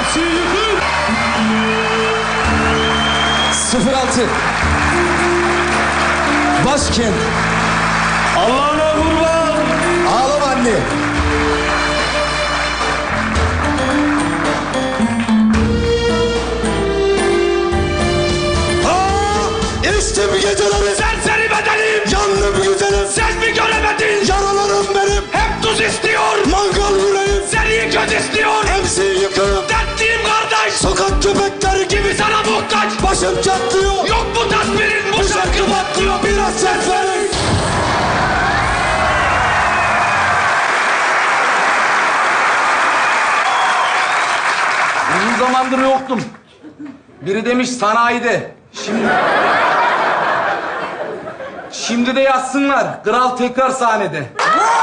MC yıkıl. 06 Başkent. Allah'ına kurban. Ağlama anne. İşte bir geceleri Serseri bedenim. yandım güzelim. Sen mi göremedin? Yaralarım benim. Hep tuz istiyor. Mangal yüreğim. Seni kötü istiyor. MC yıkığım. Dertliyim kardeş. Sokak köpekleri gibi Gibi sana muhtaç. başım çatlıyor. Yok bu tasvirin, bu şarkı patlıyor. Biraz ses verin. Uzun zamandır yoktum. Biri demiş sanayide. Şimdi de yazsınlar. Kral tekrar sahnede.